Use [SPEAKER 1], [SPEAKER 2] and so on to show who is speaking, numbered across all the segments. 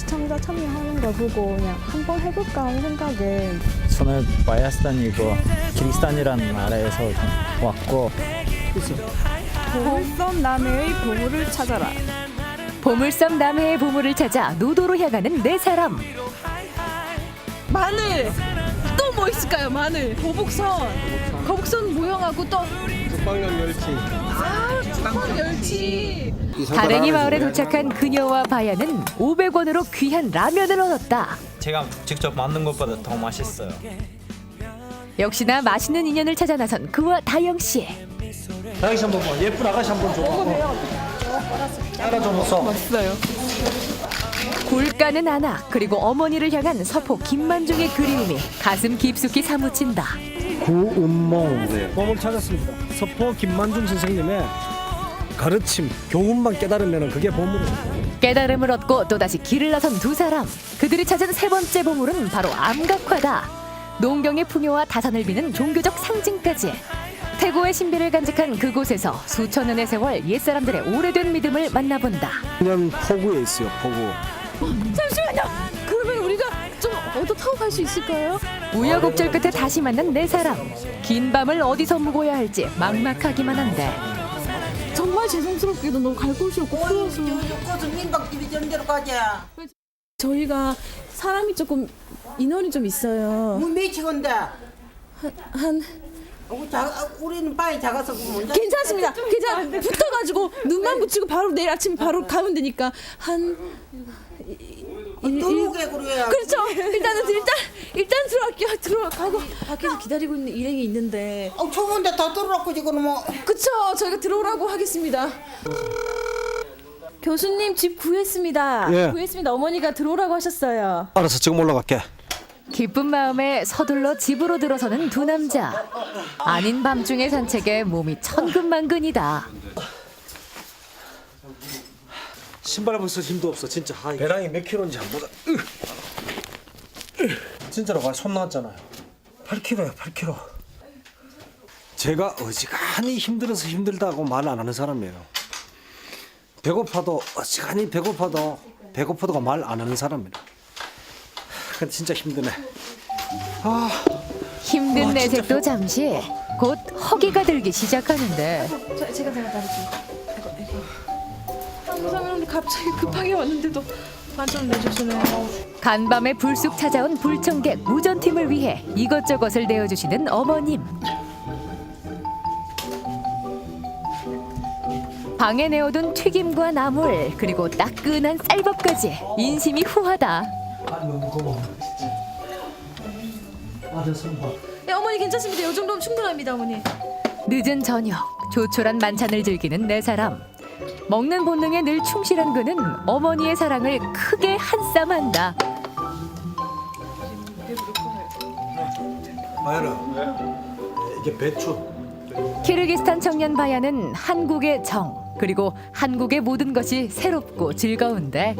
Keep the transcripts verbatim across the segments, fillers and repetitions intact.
[SPEAKER 1] 시청자 참여하는 걸 보고 그냥 한번 해볼까 하는 생각에
[SPEAKER 2] 저는 바야스탄이고 키르기스탄이라는 나라에서 왔고
[SPEAKER 1] 보물섬 남해의 보물을 찾아라.
[SPEAKER 3] 보물섬 남해의 보물을 찾아 노도로 향하는 네 사람.
[SPEAKER 4] 마늘 또 뭐 있을까요? 마늘 거북선 거북선 모형하고 또
[SPEAKER 5] 죽방령 멸치.
[SPEAKER 4] 아, 죽방 멸치.
[SPEAKER 3] 다랭이 마을에 도착한 그녀와 바야는 오백 원으로 귀한 라면을 얻었다.
[SPEAKER 2] 제가 직접 만든 것보다 더 맛있어요.
[SPEAKER 3] 역시나 맛있는 인연을 찾아 나선 그와 다영 씨.
[SPEAKER 5] 아가씨 한번 봐. 예쁜 아가씨 한번 줘. 따라 좀 웃어.
[SPEAKER 4] 맛있어요.
[SPEAKER 3] 굴까는 아나 그리고 어머니를 향한 서포 김만중의 그리움이 가슴 깊숙이 사무친다.
[SPEAKER 5] 구운몽 보물 찾았습니다. 서포 김만중 선생님의 가르침, 교훈만 깨달으면 그게 보물입니다.
[SPEAKER 3] 깨달음을 얻고 또다시 길을 나선 두 사람. 그들이 찾은 세 번째 보물은 바로 암각화다. 농경의 풍요와 다산을 비는 종교적 상징까지. 태고의 신비를 간직한 그곳에서 수천 년의 세월 옛사람들의 오래된 믿음을 만나본다.
[SPEAKER 5] 그냥 포구에 있어요. 포구.
[SPEAKER 4] 잠시만요. 그러면 우리가 좀 얻어 타고 갈 수 있을까요?
[SPEAKER 3] 우여곡절 끝에 다시 만난 네 사람. 긴 밤을 어디서 묵어야 할지 막막하기만 한데
[SPEAKER 4] 정말 죄송스럽게도 너무 갈 곳이 없고 풀어서
[SPEAKER 6] 민박집이 전대로 가자.
[SPEAKER 4] 저희가 사람이 조금 인원이 좀 있어요.
[SPEAKER 6] 뭐 몇시건데?
[SPEAKER 4] 한
[SPEAKER 6] 우리는 바위 작아서 먼저.
[SPEAKER 4] 괜찮습니다. 괜찮. 붙어가지고 눈만 붙이고 바로 내일 아침 바로 가면 되니까 한.
[SPEAKER 6] 들어오게 그래야.
[SPEAKER 4] 그렇죠. 일단은 일단 일단 들어갈게요. 들어가고 밖에서 기다리고 있는 일행이 있는데.
[SPEAKER 6] 어, 추운데 다 들어놓고 지금 뭐.
[SPEAKER 4] 그쵸. 저희가 들어오라고 하겠습니다. 교수님 집 구했습니다.
[SPEAKER 5] 예.
[SPEAKER 4] 구했습니다. 어머니가 들어오라고 하셨어요.
[SPEAKER 5] 알았어. 지금 올라갈게.
[SPEAKER 3] 기쁜 마음에 서둘러 집으로 들어서는 두 남자. 아닌 밤중의 산책에 몸이 천근만근이다.
[SPEAKER 5] 신발 벗을 힘도 없어. 진짜. 아이. 배낭이 몇 킬로인지 안 보다. 으. 으. 진짜로 봐. 손 나왔잖아요. 팔 킬로야. 팔 킬로. 제가 어지간히 힘들어서 힘들다고 말 안 하는 사람이에요. 배고파도 어지간히 배고파도 배고파도가 말 안 하는 사람이에요. 근데 진짜 힘드네. 아,
[SPEAKER 3] 힘든
[SPEAKER 5] 와,
[SPEAKER 3] 내색도
[SPEAKER 5] 진짜
[SPEAKER 3] 잠시 곧 허기가 들기 시작하는데
[SPEAKER 4] 저, 제가 제가 따를게요. 아이고 아이고. 감사합니다. 갑자기 급하게 왔는데도 만점 내주시네요.
[SPEAKER 3] 간밤에 불쑥 찾아온 불청객 무전팀을 위해 이것저것을 내어주시는 어머님. 방에 내어둔 튀김과 나물 그리고 따끈한 쌀밥까지 인심이 후하다.
[SPEAKER 4] 네, 어머니 괜찮습니다. 이 정도면 충분합니다, 어머니.
[SPEAKER 3] 늦은 저녁 조촐한 만찬을 즐기는 네 사람. 먹는 본능에 늘 충실한 그는 어머니의 사랑을 크게 한쌈한다.
[SPEAKER 5] 마야라. 이게 배추.
[SPEAKER 3] 키르기스탄 청년 바야는 한국의 정 그리고 한국의 모든 것이 새롭고 즐거운데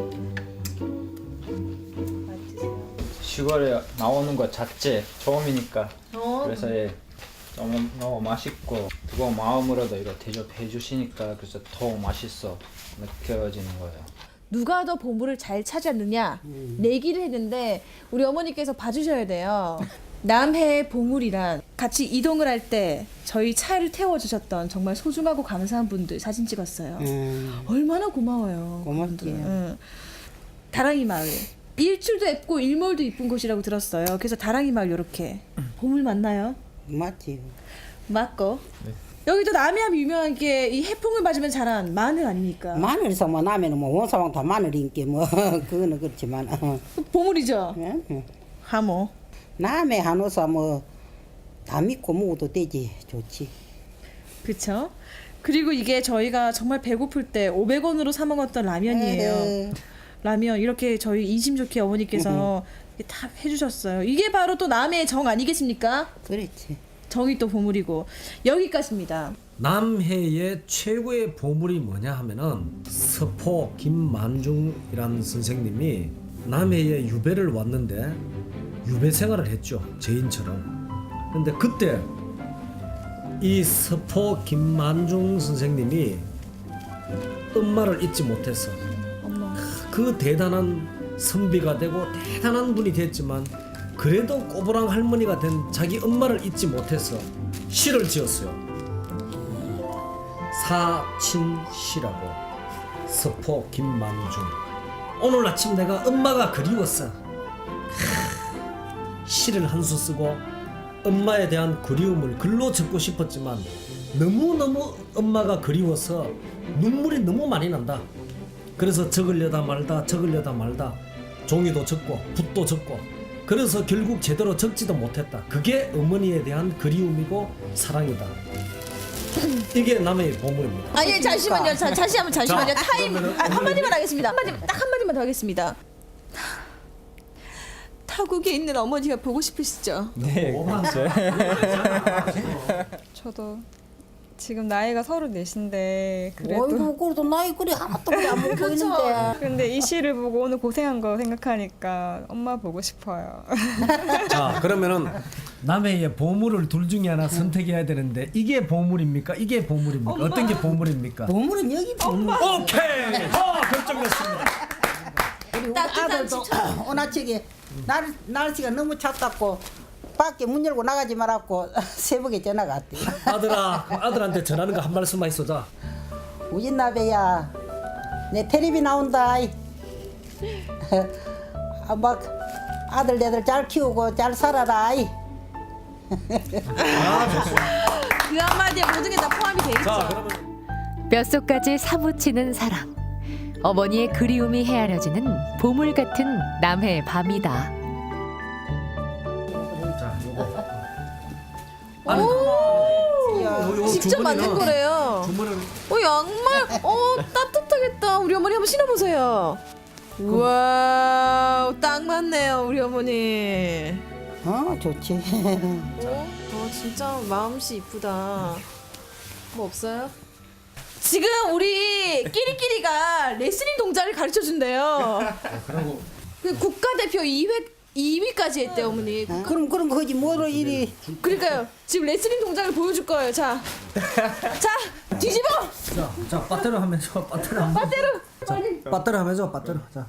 [SPEAKER 2] 시골에 나오는 것 자체 처음이니까 그래서 예, 너무 너무 맛있고 뜨거운 마음으로도 이거 대접해 주시니까 그래서 더 맛있어 느껴지는 거예요.
[SPEAKER 4] 누가 더 보물을 잘 찾았느냐 내기를 했는데 우리 어머니께서 봐주셔야 돼요. 남해의 보물이란 같이 이동을 할 때 저희 차를 태워주셨던 정말 소중하고 감사한 분들 사진 찍었어요.
[SPEAKER 6] 음,
[SPEAKER 4] 얼마나 고마워요.
[SPEAKER 6] 고맙게요.
[SPEAKER 4] 그분들. 응. 다랑이 마을. 일출도 예쁘고 일몰도 이쁜 곳이라고 들었어요. 그래서 다랑이 마을 이렇게 보물 맞나요?
[SPEAKER 6] 맞지.
[SPEAKER 4] 맞고. 여기도 남해하면 유명한 게 이 해풍을 맞으면 자란 마늘 아닙니까?
[SPEAKER 6] 마늘에서 뭐 나면 뭐 원사왕 다 마늘인게 뭐 그거는 그렇지만. 어.
[SPEAKER 4] 보물이죠.
[SPEAKER 6] 응?
[SPEAKER 4] 하모.
[SPEAKER 6] 남의 한우사 뭐 다 믿고 먹어도 되지. 좋지.
[SPEAKER 4] 그쵸? 그리고 이게 저희가 정말 배고플 때 오백 원으로 사 먹었던 라면이에요.
[SPEAKER 6] 에헤.
[SPEAKER 4] 라면 이렇게 저희 인심 좋게 어머니께서 이렇게 다 해주셨어요. 이게 바로 또 남해의 정 아니겠습니까?
[SPEAKER 6] 그렇지.
[SPEAKER 4] 정이 또 보물이고 여기까지입니다.
[SPEAKER 7] 남해의 최고의 보물이 뭐냐 하면은 서포 김만중이라는 선생님이 남해에 유배를 왔는데 유배 생활을 했죠. 죄인처럼. 근데 그때 이 서포 김만중 선생님이 엄마를 잊지 못해서
[SPEAKER 4] 엄마.
[SPEAKER 7] 그 대단한 선비가 되고 대단한 분이 됐지만 그래도 꼬부랑 할머니가 된 자기 엄마를 잊지 못해서 시를 지었어요. 사친시라고. 서포 김만중. 오늘 아침 내가 엄마가 그리웠어. 하, 시를 한 수 쓰고 엄마에 대한 그리움을 글로 적고 싶었지만 너무너무 엄마가 그리워서 눈물이 너무 많이 난다. 그래서 적으려다 말다 적으려다 말다 종이도 적고 붓도 적고 그래서 결국 제대로 적지도 못했다. 그게 어머니에 대한 그리움이고 사랑이다. 이게 남의 보물입니다.
[SPEAKER 4] 아니 잠시만요. 자, 다시 한번 잠시만요.
[SPEAKER 7] 자,
[SPEAKER 4] 타임
[SPEAKER 7] 그러면은
[SPEAKER 4] 아, 한마디만 하겠습니다. 한마디 딱 한마디만 더 하겠습니다. 타국에 있는 어머니가 보고 싶으시죠?
[SPEAKER 2] 네, 그렇죠.
[SPEAKER 1] 저도 지금 나이가 서른넷인데 그래도
[SPEAKER 6] 어이구 그래도 나이 그리 하나도 그리 안 먹고
[SPEAKER 4] 그렇죠.
[SPEAKER 6] 있는데
[SPEAKER 1] 근데 이 시를 보고 오늘 고생한 거 생각하니까 엄마 보고 싶어요.
[SPEAKER 7] 자 그러면은 남해의 보물을 둘 중에 하나 선택해야 되는데 이게 보물입니까? 이게 보물입니까? 어떤 게 보물입니까?
[SPEAKER 6] 보물은 여기 보물.
[SPEAKER 7] 오케이! 어 결정됐습니다.
[SPEAKER 6] 우리
[SPEAKER 4] 따뜻한
[SPEAKER 6] 아들도
[SPEAKER 4] 추천.
[SPEAKER 6] 오나치게 날 날씨가 너무 찼다고 밖에 문 열고 나가지 말았고 새벽에 전화가 왔대.
[SPEAKER 7] 아들아 그 아들한테 전하는 거 한 말씀만 있어자.
[SPEAKER 6] 우진나베야 내 텔레비 나온다. 아, 막 아들 내들 잘 키우고 잘 살아라.
[SPEAKER 4] 그 한마디에 모든 게 다 포함이 돼 있죠.
[SPEAKER 7] 자 그러면
[SPEAKER 3] 뼛속까지 사무치는 사랑. 어머니의 그리움이 헤아려지는 보물 같은 남해의 밤이다.
[SPEAKER 7] 자 요거.
[SPEAKER 4] 오, 직접 만든 거래요.
[SPEAKER 7] 주문을
[SPEAKER 4] 어 양말, 어 따뜻하겠다. 우리 어머니 한번 신어보세요. 우와, 딱 맞네요, 우리 어머니.
[SPEAKER 6] 어 좋지.
[SPEAKER 4] 어, 어 진짜 마음씨 이쁘다. 뭐 없어요? 지금 우리 끼리끼리가 레슬링 동작을 가르쳐 준대요. 그 국가대표 이 회 이 위까지 했대 어머니.
[SPEAKER 6] 어, 그럼 그럼 거지 뭐로 이리.
[SPEAKER 4] 그러니까요. 지금 레슬링 동작을 보여줄 거예요. 자, 자 뒤집어.
[SPEAKER 7] 자, 자 빠떼로 하면서 빠떼로 하면서
[SPEAKER 4] 빠떼로.
[SPEAKER 7] 자, 빠떼로 하면서 빠떼로 자.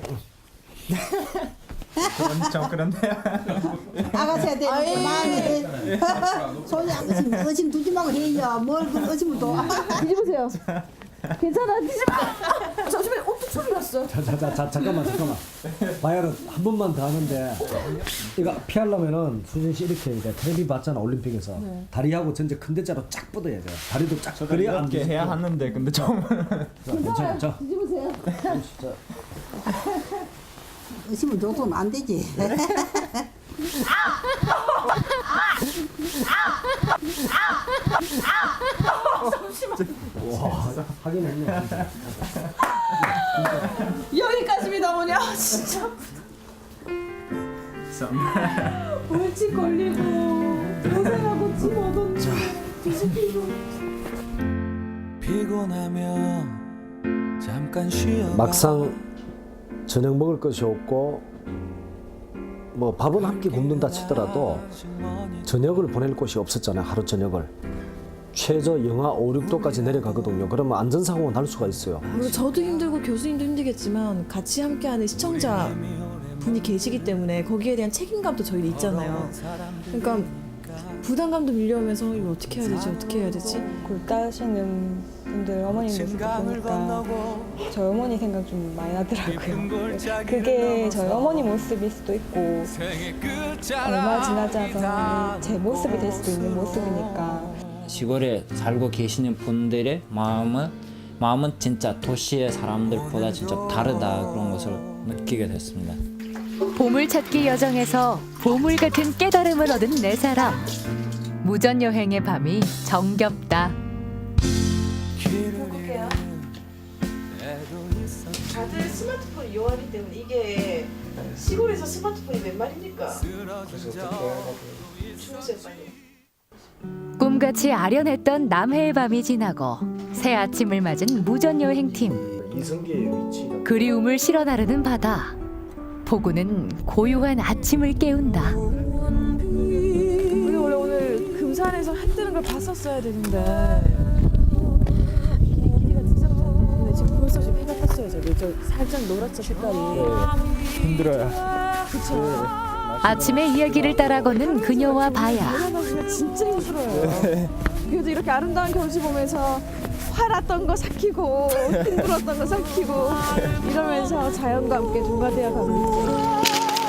[SPEAKER 2] 그런 좀 그런데요.
[SPEAKER 6] 아가씨야 되는
[SPEAKER 4] 아이.
[SPEAKER 6] 마음에 손이 의심 의심 두지 말고 해요. 뭘그 의심을 둬.
[SPEAKER 4] 뒤집으세요. 괜찮아 뒤집어. 아, 잠시만 어떤 소리 났어?
[SPEAKER 7] 자, 자, 자, 자, 잠깐만, 잠깐만. 바이올은 한 번만 더 하는데 이거 피하려면은 수진 씨 이렇게 이제 텔레비 봤잖아 올림픽에서
[SPEAKER 4] 네.
[SPEAKER 7] 다리하고 전체 큰 대자로 쫙 뻗어야 돼. 다리도 쫙. 그래야 안
[SPEAKER 2] 이렇게 해야 하는데 근데 좀
[SPEAKER 7] 자, 괜찮아. 자,
[SPEAKER 4] 뒤집으세요.
[SPEAKER 7] 자,
[SPEAKER 6] 의심을 둬도 안 되지.
[SPEAKER 7] 와, 하긴 했네.
[SPEAKER 4] 여기까지입니다 어머니. 아 진짜. 벌칙 걸리고 고생하고 침 얻었는데 뒤집히고.
[SPEAKER 8] 피곤하면 잠깐 쉬어
[SPEAKER 7] 막상 저녁 먹을 것이 없고 뭐 밥은 한 끼 굶는다 치더라도 저녁을 보낼 곳이 없었잖아요. 하루 저녁을. 최저 영하 오, 육 도까지 내려가거든요. 그러면 안전사고가 날 수가 있어요.
[SPEAKER 4] 물론 저도 힘들고 교수님도 힘들겠지만 같이 함께하는 시청자 분이 계시기 때문에 거기에 대한 책임감도 저희도 있잖아요. 그러니까 부담감도 밀려오면서 이거 어떻게 해야 되지 어떻게 해야 되지?
[SPEAKER 1] 굴 따시는 분들 어머니 모습 보니까 저희 어머니 생각 좀 많이 나더라고요. 그게 저희 어머니 모습일 수도 있고 얼마 지나지 않아서 제 모습이 될 수도 있는 모습이니까.
[SPEAKER 2] 시골에 살고 계시는 분들의 마음은 마음은 진짜 도시의 사람들보다 진짜 다르다 그런 것을 느끼게 됐습니다.
[SPEAKER 3] 보물찾기 여정에서 보물 같은 깨달음을 얻은 네 사람. 무전 여행의 밤이 정겹다.
[SPEAKER 4] 볼게요. 다들 스마트폰 이용하기 때문에 이게 시골에서 스마트폰이 몇 말입니까? 주무세요 빨리.
[SPEAKER 3] 꿈같이 아련했던 남해의 밤이 지나고 새 아침을 맞은 무전 여행팀.
[SPEAKER 7] 이성기의 위치가
[SPEAKER 3] 그리움을 실어 나르는 바다. 포구는 고요한 아침을 깨운다.
[SPEAKER 4] 우리 원래 오늘 금산에서 해 뜨는 걸 봤었어야 되는데 비행기가 늦었잖아. 근데 지금 벌써 지금 해가 떴어요 저기. 저 살짝 노랗죠 색깔이.
[SPEAKER 2] 힘들어요.
[SPEAKER 4] 그쵸.
[SPEAKER 3] 아침에 이야기를 따라 걷는 그녀와 바야.
[SPEAKER 4] 올라가기가 진짜 힘들어요. 그래도 이렇게 아름다운 경치 보면서 화났던 거 삭히고 힘들었던 거 삭히고 이러면서 자연과 함께 동가되어 가고 있죠.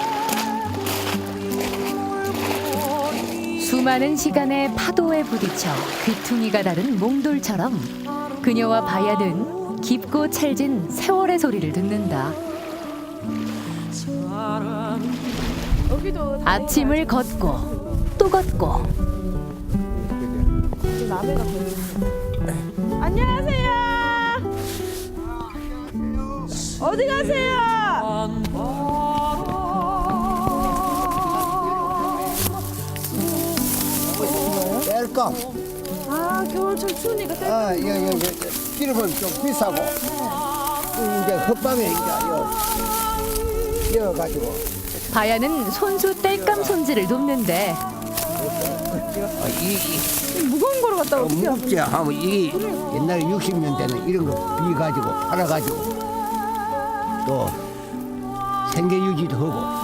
[SPEAKER 3] 수많은 시간의 파도에 부딪혀 귀퉁이가 다른 몽돌처럼 그녀와 바야는 깊고 찰진 세월의 소리를 듣는다.
[SPEAKER 4] 여기도
[SPEAKER 3] 아침을 걷고 또 걷고
[SPEAKER 4] 남해가 보이네요. 안녕하세요. 어디 가세요?
[SPEAKER 9] 뗄감.
[SPEAKER 4] 아 겨울철 추우니까 때.
[SPEAKER 9] 아, 이거, 이거, 이거, 기름은 좀 비싸고. 이제 헛방에 이제, 이거, 이어가지고.
[SPEAKER 3] 바야는 손수 땔감 손질을 돕는데
[SPEAKER 9] 아, 이, 이,
[SPEAKER 4] 무거운 거로 갔다
[SPEAKER 9] 어,
[SPEAKER 4] 어떻게
[SPEAKER 9] 무겁지 하면 이게 옛날에 육십 년대는 이런 거 비가지고 팔아가지고 또 생계 유지도 하고.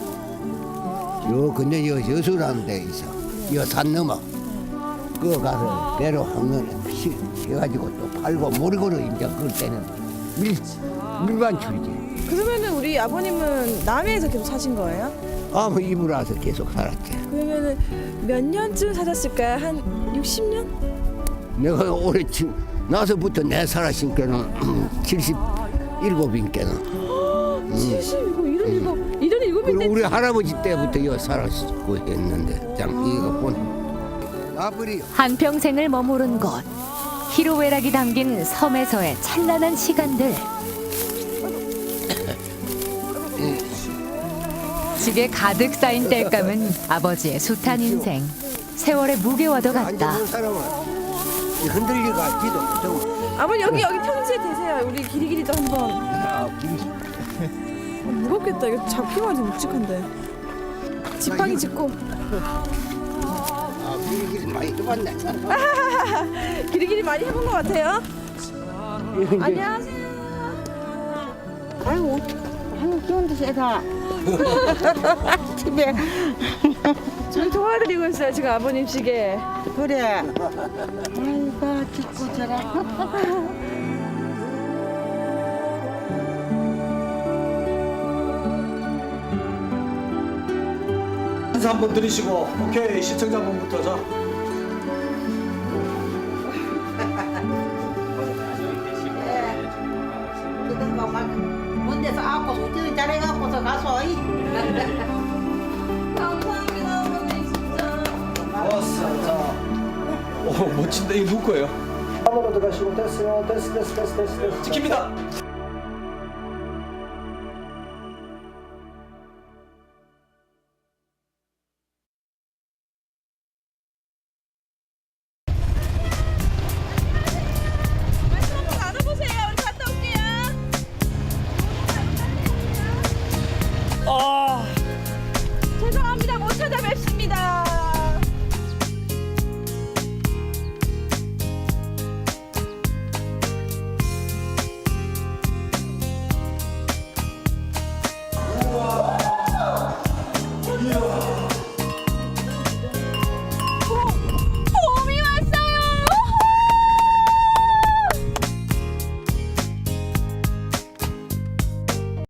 [SPEAKER 9] 요 근데 여 여수라는 데 있어. 여 산 넘어. 그거 가서 배로 한번에 해가지고 또 팔고 모리고로 이제 그럴 때는 밀 밀반출이지.
[SPEAKER 4] 그러면은 우리 아버님은 남해에서 계속 사신 거예요?
[SPEAKER 9] 아무 이불 와서 계속 살았지.
[SPEAKER 4] 그러면은 몇 년쯤 사셨을까요? 한 육십 년?
[SPEAKER 9] 내가 올해 지- 나서부터 내 살았으니까는 칠십일곱인께는.
[SPEAKER 4] 칠십이고 이른일곱 이른일곱일
[SPEAKER 9] 그리고
[SPEAKER 4] 때
[SPEAKER 9] 우리 할아버지 때부터 여 살았고 했는데 장 이거 본 나버리
[SPEAKER 3] 한평생을 머무른 곳 희로애락이 담긴 섬에서의 찬란한 시간들. 집에 가득 쌓인 땔감은 아버지의 숱한 인생, 세월의 무게와도 같다.
[SPEAKER 9] 앉아본 사람은 흔들리가 지도 못하고.
[SPEAKER 4] 아버님 여기 여기 평지에 대세요. 우리 길이길이도 한번.
[SPEAKER 9] 아, 길이
[SPEAKER 4] 아, 무겁겠다. 이거 잡히면 좀 묵직한데. 지팡이 짚고
[SPEAKER 9] 아, 길이 길이 많이 좁았네.
[SPEAKER 4] 길이길이 많이 해본 것 같아요. 안녕하세요.
[SPEAKER 6] 아이고, 아이고 기운도 세다. 집에
[SPEAKER 4] 저희 도와드리고 있어요. 지금 아버님 시계.
[SPEAKER 6] 그래. 아이고 죽고 저라.
[SPEAKER 5] 인사 한번 드리시고 오케이 시청자분부터 자.
[SPEAKER 6] 그런 거막먼 데서 아고 운전 잘해갖고서 가서. 이.
[SPEAKER 4] 감사합니다, 어머니 진짜.
[SPEAKER 5] 좋았어. 자. 오 멋진데 이거 누구 거예요? 한번 더 가시고 됐어요. 됐어 됐어 됐어 됐어. 찍힙니다.